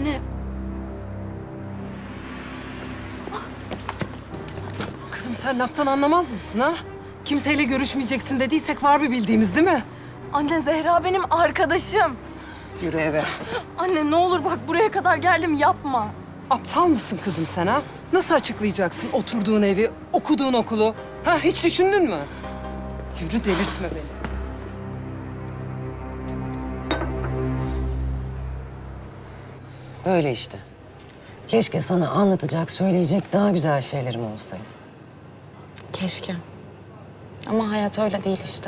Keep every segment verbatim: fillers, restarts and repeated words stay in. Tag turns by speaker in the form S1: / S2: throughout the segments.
S1: Anne.
S2: Kızım sen laftan anlamaz mısın ha? Kimseyle görüşmeyeceksin dediysek var bir bildiğimiz değil mi?
S1: Anne Zehra benim arkadaşım.
S2: Yürü eve.
S1: Anne ne olur bak buraya kadar geldim yapma.
S2: Aptal mısın kızım sen ha? Nasıl açıklayacaksın oturduğun evi, okuduğun okulu? Ha hiç düşündün mü? Yürü delirtme beni.
S3: Öyle işte. Keşke sana anlatacak, söyleyecek daha güzel şeylerim olsaydı.
S4: Keşke. Ama hayat öyle değil işte.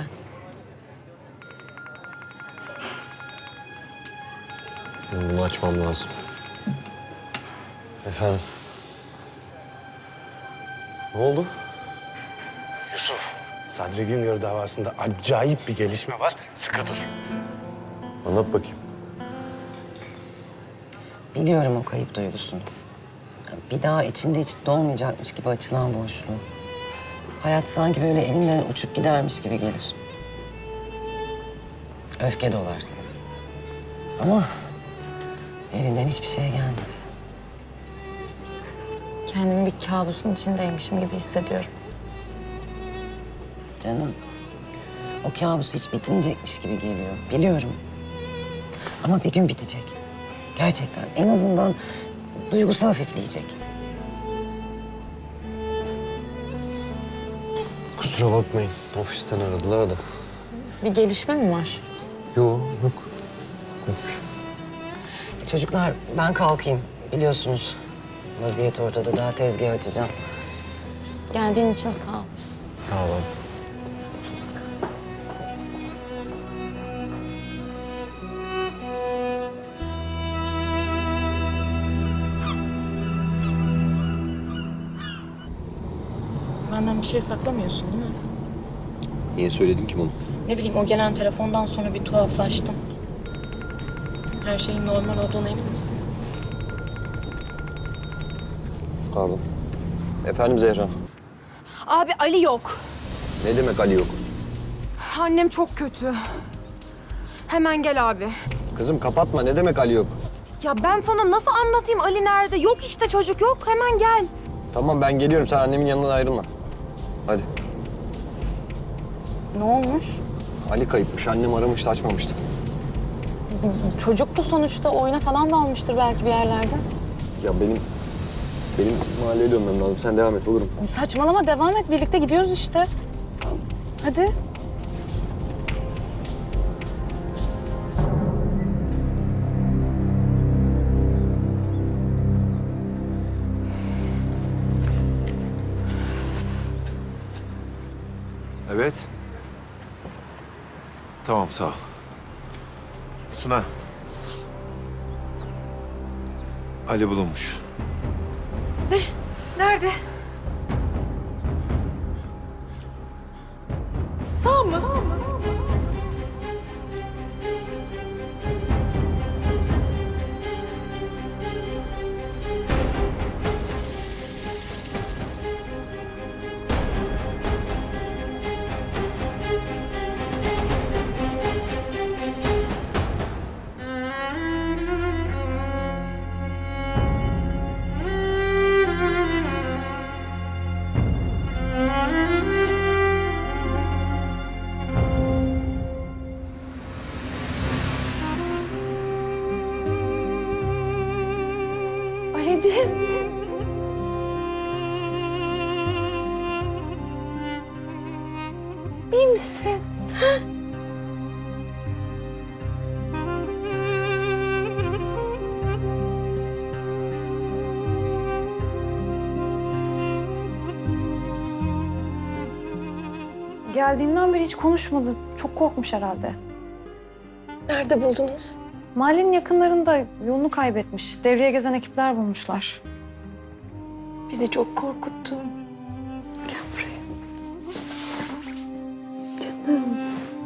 S5: Bunu açmam lazım. Efendim? Ne oldu?
S6: Yusuf, Sadri Güngör davasında acayip bir gelişme var. Sıkı dur.
S5: Anlat bakayım.
S3: Biliyorum o kayıp duygusunu. Bir daha içinde hiç dolmayacakmış gibi açılan boşluğu. Hayat sanki böyle elinden uçup gidermiş gibi gelir. Öfke dolarsın. Ama elinden hiçbir şey gelmez.
S4: Kendimi bir kabusun içindeymişim gibi hissediyorum.
S3: Canım, o kabus hiç bitmeyecekmiş gibi geliyor. Biliyorum. Ama bir gün bitecek. Gerçekten. En azından duygusu hafifleyecek.
S5: Kusura bakmayın. Ofisten aradılar da.
S4: Bir gelişme mi var?
S5: Yok, yok. Yokmuş.
S3: Çocuklar, ben kalkayım. Biliyorsunuz, vaziyet ortada. Daha tezgah açacağım.
S4: Geldiğin için sağ ol.
S5: Sağ olun.
S4: Benden bir şey saklamıyorsun değil mi?
S5: Niye söyledin ki bunu?
S4: Ne bileyim o gelen telefondan sonra bir tuhaflaştın. Her şeyin normal olduğuna emin misin?
S5: Pardon. Efendim Zehra?
S1: Abi Ali yok.
S5: Ne demek Ali yok?
S1: Annem çok kötü. Hemen gel abi.
S5: Kızım kapatma. Ne demek Ali yok?
S1: Ya ben sana nasıl anlatayım Ali nerede? Yok işte çocuk yok. Hemen gel.
S5: Tamam ben geliyorum. Sen annemin yanından ayrılma. Hadi.
S4: Ne olmuş?
S5: Ali kayıpmış. Annem aramıştı, açmamıştı.
S4: Çocuk bu sonuçta oyuna falan dalmıştır belki bir yerlerde.
S5: Ya benim... Benim mahalleye dönmem lazım. Sen devam et, olur mu?
S4: Saçmalama devam et birlikte gidiyoruz işte. Hadi.
S7: Evet. Tamam, sağ ol. Suna. Ali bulunmuş.
S1: Nerede? Sağ mı? Ali'ciğim. İyi misin?
S8: Geldiğinden beri hiç konuşmadı. Çok korkmuş herhalde.
S1: Nerede buldunuz?
S8: Mahallenin yakınlarında yolunu kaybetmiş. Devreye gezen ekipler bulmuşlar.
S1: Bizi çok korkuttu. Gel buraya. Canım.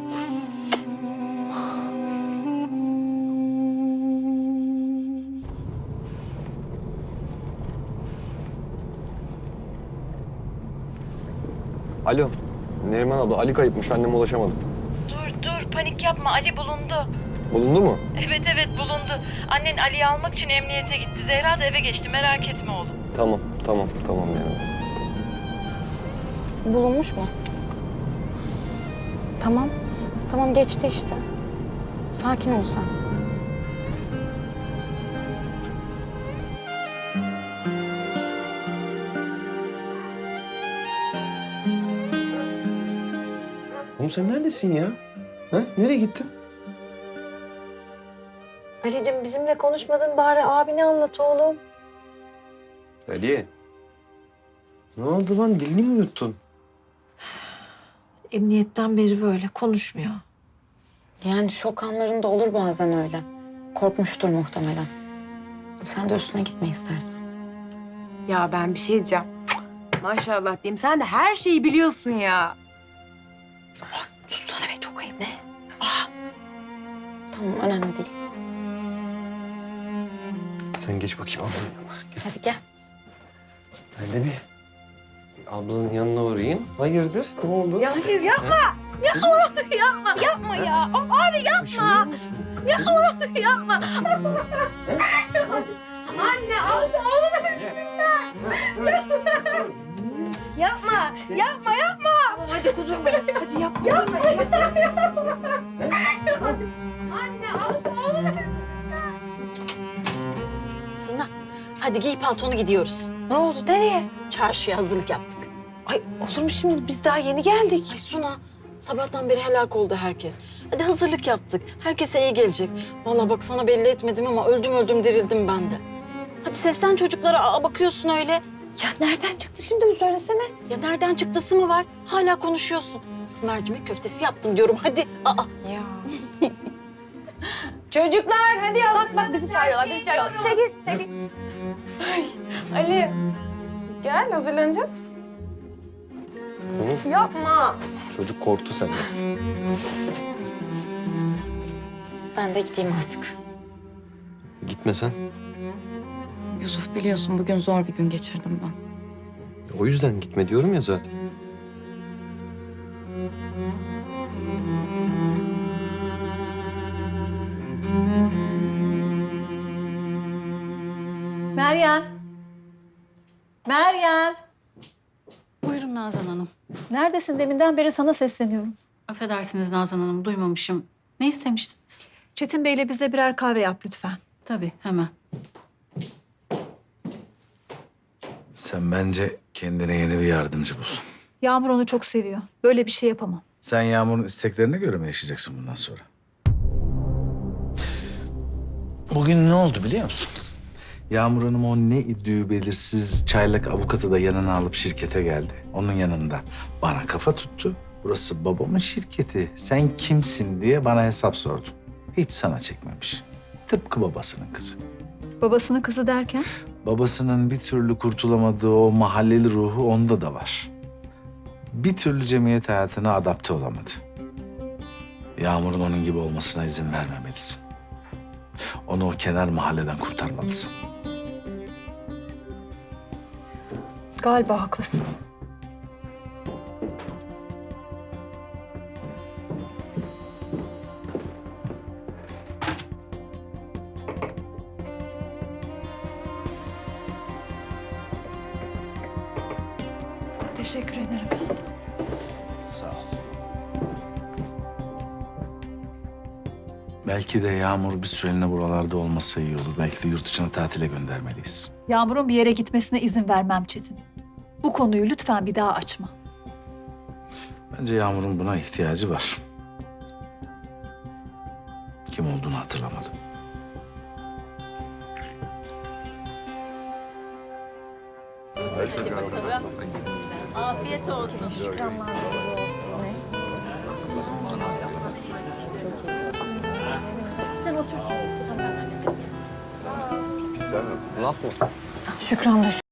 S5: Alo. Neriman abla, Ali kayıpmış. Anneme ulaşamadım.
S1: Dur dur panik yapma Ali bulundu.
S5: Bulundu mu?
S9: Evet evet bulundu. Annen Ali'yi almak için emniyete gitti. Zehra da eve geçti. Merak etme oğlum.
S5: Tamam, tamam, tamam ya.
S4: Bulunmuş mu? Tamam. Tamam geçti işte. Sakin ol sen.
S5: Oğlum sen neredesin ya? Ha? Nereye gittin?
S8: Ali'cim bizimle konuşmadın bari abine anlat oğlum.
S5: Ali. Ne oldu lan? Dilini mi yuttun?
S8: Emniyetten beri böyle konuşmuyor.
S4: Yani şok anlarında olur bazen öyle. Korkmuştur muhtemelen. Sen de üstüne gitme istersen.
S1: Ya ben bir şey diyeceğim. Maşallah diyeyim. Sen de her şeyi biliyorsun ya.
S4: Sussana be, çok ayıp. Ne? Aa. Tamam, önemli değil.
S5: Sen geç bakayım ablanın yanına. Gel.
S4: Hadi gel.
S5: Ben de bir ablanın yanına uğrayayım. Hayırdır? Ne oldu?
S1: Ya hayır yapma. Yapma. Yapma. Yapma ya. Of abi yapma. Yapma. Yapma. Anne al şu oğlumun üstünden. Yapma. Yapma yapma. Hadi kuzum benim. Hadi yapma. Yapma. Anne al şu oğlumun üstünden.
S4: Suna, hadi giy paltonu gidiyoruz.
S8: Ne oldu nereye?
S4: Çarşıya hazırlık yaptık.
S8: Ay olur mu şimdi biz daha yeni geldik.
S4: Ay Suna, sabahtan beri helak oldu herkes. Hadi hazırlık yaptık. Herkese iyi gelecek. Vallahi bak sana belli etmedim ama öldüm öldüm dirildim ben de. Hadi seslen çocuklara. Aa, bakıyorsun öyle.
S8: Ya nereden çıktı şimdi bu söylesene.
S4: Ya nereden çıktısı mı var? Hala konuşuyorsun. Kız mercimek köftesi yaptım diyorum. Hadi. Aa.
S8: Ya. Çocuklar hadi yazın. Bak bak bizi çağırıyorlar bizi çağırıyorlar. Çekil çekil.
S1: Ali gel hazırlanacağız.
S5: Hı?
S1: Yapma.
S5: Çocuk korktu senden.
S4: Ben de gideyim artık.
S5: Gitme sen.
S4: Yusuf biliyorsun bugün zor bir gün geçirdim ben.
S5: O yüzden gitme diyorum ya zaten.
S10: Meryem. Meryem.
S11: Buyurun Nazan Hanım.
S10: Neredesin? Deminden beri sana sesleniyorum.
S11: Affedersiniz Nazan Hanım, duymamışım. Ne istemiştiniz?
S10: Çetin Bey'le bize birer kahve yap lütfen.
S11: Tabii, hemen.
S12: Sen bence kendine yeni bir yardımcı bul.
S10: Yağmur onu çok seviyor. Böyle bir şey yapamam.
S12: Sen Yağmur'un isteklerine göre mi yaşayacaksın bundan sonra? Bugün ne oldu biliyor musun? Yağmur Hanım o ne idüğü belirsiz çaylak avukatı da yanına alıp şirkete geldi. Onun yanında bana kafa tuttu. Burası babamın şirketi. Sen kimsin diye bana hesap sordu. Hiç sana çekmemiş. Tıpkı babasının kızı.
S10: Babasının kızı derken?
S12: Babasının bir türlü kurtulamadığı o mahalleli ruhu onda da var. Bir türlü cemiyet hayatına adapte olamadı. Yağmur'un onun gibi olmasına izin vermemelisin. Onu o kenar mahalleden kurtarmalısın.
S10: Galiba haklısın. Teşekkür ederim.
S12: Sağ ol. Belki de Yağmur bir süreliğine buralarda olmasa iyi olur. Belki de yurt dışına tatile göndermeliyiz.
S10: Yağmur'un bir yere gitmesine izin vermem Çetin. Bu konuyu lütfen bir daha açma.
S12: Bence Yağmur'un buna ihtiyacı var. Kim olduğunu hatırlamadı.
S11: Afiyet olsun. Sen otur.
S5: Laf mı?
S8: Şükran da